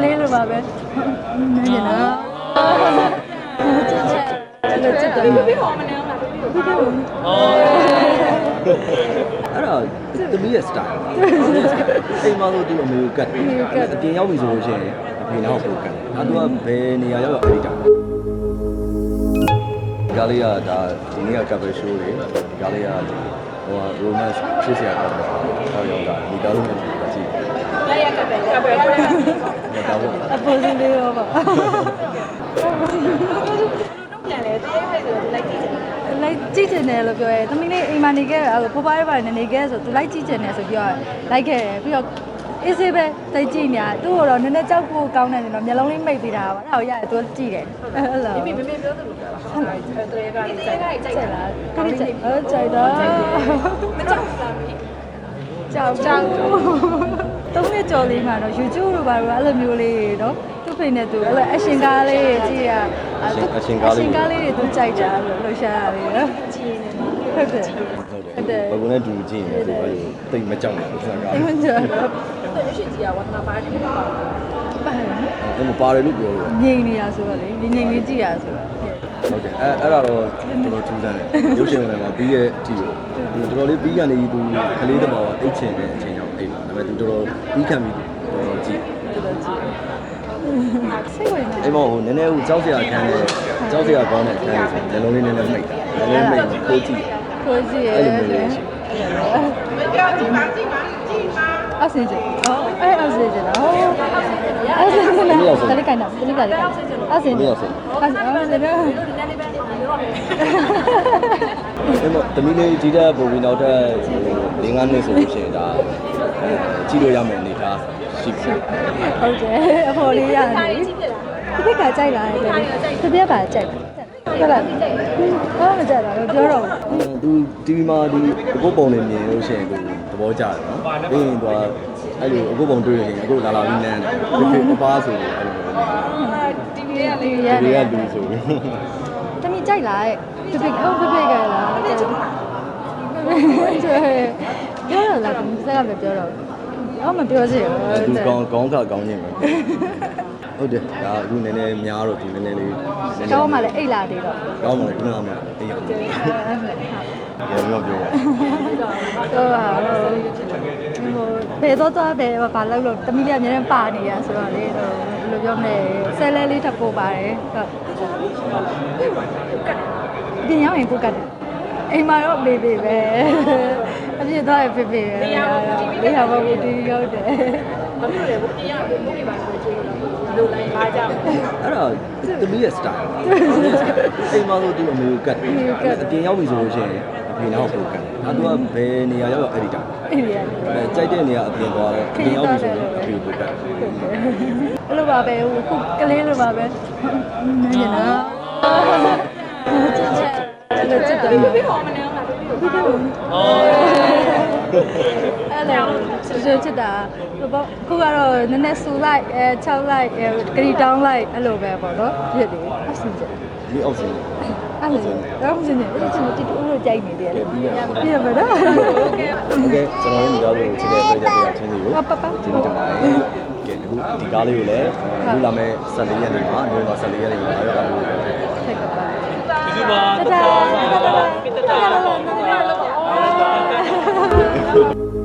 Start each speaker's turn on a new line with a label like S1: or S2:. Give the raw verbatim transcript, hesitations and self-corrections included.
S1: လေးလိုပါပဲနည်းနည်းချစ်ချစ်ချစ်တယ်ဘယ်ဟောမနေအောင်လားဘယ်ဟော
S2: အဲ့ဒါသမီးရဲ့ style အိမ်မှာဆိုသူ့အမေကိုကတ်တယ်အပြင်ရောက်ပြီဆိုလို့ရှိရင်အဖေနောက်ကိုကတ်တယ်ဒါသူကဘယ်နေရာရောက်ရောက်အဲ့ဒါဒီကလေးကဒါဒီနေ့က cover show တွေဒီကလေးကဟို romance ဖြစ်စရာကောင်းတာဟောရောက်တာဒီကားလုံးနဲ့ကြည့်ကြည့်
S1: လက်ရကပဲကပဲကိုရ
S2: ဒါပေါ့
S1: အပေါ်စင်းလေးရောပါပြန်လေတဲ့ဟဲ့ဆိုသူလိုက်ကြည့်လိုက်ကြည့်နေတယ်လို့ပြောရဲသမီးလေးအိမ်မှာနေခဲ့အဲ့လိုဖိုးပါးရပါနေနေခဲ့ဆိုသူလိုက်ကြည့်နေတယ်ဆိုပြီးတော့လိုက်ခဲ့တယ်ပြီးတော့အေးစေးပဲသိကြည့်နေတာသူ့ကိုတော့နည်းနည်းကြောက်ဖို့ကောင်းတယ်နော်မျက်လုံးလေးမိတ်သေးတာပါအဲ့ဒါကိုရတယ်သူကြည့်တယ်အဲ့လိုမိမိမမေပြောသလိုပြောပါဟုတ်လားတရေကကြိုက်ကြိုက်လားခရီးကြိုက်ဟုတ်ကြိုက်တော့မကြောက်ဘူးလားမိကြောက်ကြောက်သုံးနှစ်ကျော်လေးမှာတော့ YouTube တို့ဘာလို့အဲ့လိုမျိုးလေးနော်သူ့ဖိနေသူအဲ့လိုအရှင်ကားလေးကြည့်ရ
S2: အရှင်ကားလေးအရှင်
S1: ကားလေးတွေသူကြိုက်တာလို့လှူရှာရတယ်နော်ကြည့်နေဟုတ်တယ်
S2: ဟုတ်တယ်ဘယ်ကနေတူကြည့်နေသူအဲ့လိုတိတ်မကြောက်ဘူးစကား
S1: တိတ်မကြောက်ဘူးရွှေကြီးကဝတ်နာပါတယ်ပါပါတယ်
S2: အဲ့မပါတယ်လို့ပြောလို့
S1: ငြိမ်နေတာဆိုတော့လေဒီငြိမ်လေးကြည့်ရဆိုတော့
S2: ဟုတ်တယ်အဲ့အဲ့ဒါတော့တော်တော်ထူးဆန်းတယ်ရုပ်ရှင်တွေမှာပြီးရဲ့အထီကိုတော်တော်လေးပြီးကနေသူကလေးတမောကအိတ်ချင်တဲ့အချိန်ကြောင့်အိတ်ပါဒါပေမဲ့သူတော်တော်ပြီးခံပြီးတော်တော်ကြည့်
S1: တော်တော်ကြည့်စိတ်ဝင်နေ
S2: အဲ့မောဟိုနည်းနည်းဟိုကြောက်စရာခံတယ်ကြောက်စရာကောင်းတဲ့ခံတယ်ဆိုလုံးလေးနည်းနည်းမိတ်တာနည်းနည်းမိတ်ကိုကြည့်
S1: ကိုကြည့်ရဲ့အဲ့လိုမျိုးမကြောက်ကြည့်ပါကြည့်ပါကြည့်ပါအဆင်ပြေဟောအဲ့အဆင်ပြေလားဟောအဆင်ပြေလားတလိကိုင်းတာတလိကိုင်းတာအဆင်ပြေအဆင်ပြေအဆင်ပြေ
S2: အဲ့မတမီးလေးဒီတဲ့ပုံပြီးနောက်ထပ်၄၅နှစ်ဆိုလို့ရှိရင်ဒါကြည့်လို့ရမယ်အနေထားရှိပြီ
S1: ဟုတ်တယ်အဖော်လေးရတယ်ဒီကကြိုက်လာတယ်ဒီပြက်ကကြိုက်ဟုတ်လားဘာမှမကြိုက်တာတော့ပြောတော့
S2: သူ တီဗီ မှာဒီအခုပုံလေးမြင်လို့ရှိရင်ကိုသဘောကျတယ်နော်ပြီးရင်သူကအဲ့လိုအခုပုံတွေ့ရင်အခုလာလာပြီးနန်းတယ်ဒီအပားဆိုအဲ့လို
S1: တီဗီရဲ့လေးရဲ့
S2: တီဗီကလူဆိုပြီး
S1: တမီကြိုက်လာတဲ့ဒီပြက်အော်ဒီပြက်ကလားပြောတော့လားစကားမပြောတော့အော်မပြောစီ
S2: ဘူးသူကောင်းကောင်းခါကောင်းခြင်းပဲဟုတ်တယ်ဒါအခုနည်းနည်းများတော့ဒီနည်းနည်းလေး
S1: ကောင်းမှလည်းအိတ်လာသေးတော့
S2: ကောင်းမှလည်းခုနကမှအိတ်ရတယ်ရေရောပြောပါ
S1: တော့ဟာဟိုဘယ်တော့တော့ဘယ်ဘာလို့လို့တမီးလေးအများနဲ့ပါနေရဆိုတော့လေဘယ်လိုပြောမလဲဆဲလဲလေးထပ်ပို့ပါတယ်ဟုတ်ပြင်ရောက်ရင်ကိုကတ်တယ်အိမ်မှာတော့ဘေဘေပဲအပြည့်တော့ဖေဖေပဲလေးဟာဘောတီးရောက်တယ်ဘာဖြစ်လဲဘုပြင်ရဘုပြင်ပါဆိုချေလို့လိုလိုက်ပါကြ
S2: အဲ့ဒါသမီးရဲ့ style အိမ်မှာဆိုသူ့အမေကိုကတ်တယ်အပြင်ရောက်ပြီဆိုလို့ရှိရင်အဖေနောက်ကိုကတ်တယ်ဒါသူကဘယ်နေရာရောက်ရောက်အဲ့ဒီတိုင်း
S1: အဲ့ဒီ
S2: အဲကြိုက်တဲ့နေရာအပြင်သွားတော့အပြင်ရောက်ပြီဆိုတော့အဖေကိုကတ်တယ်
S1: အဲ့လိုပါပဲဟိုခုကလေးလိုပါပဲနည်းနည်းနော်ချစ်ချစ်အဲ့လိုချစ်တယ်ဘယ်ဟောမနေအောင်လားဘယ်ဟောအဲ့လိုချစ်ချစ်တာခုကတော့နည်းနည်းဆူလိုက်အဲ၆လိုက်အဲဂရီတောင်းလိုက်အဲ့လိုပဲပေါ့နော်ဖြစ်တယ်အဆင်ပြေ
S2: ဒီအောက်စင်
S1: အဲ့လိုတော့မစင်နေအဲ့ဒီချစ်တူလို့ကြိုက်နေတယ်လေပြရပါတော့โอเค
S2: โอเคကျွန်တော်တို့ဒီကားလေးကိုချစ်တဲ့တွေ့ကြတဲ့ချင်းစီကိုဒီနေ့တမန်ကဲအခုဒီကားလေးကိုလည်းအခုလာမဲ့၁၄ရက်နေ့မှာနိုဝင်ဘာ၁၄ရက်နေ့မှာရောက်လာလို့
S1: စိတ်ကပါ
S3: ဒီပါ
S1: တာတာတာတာတာ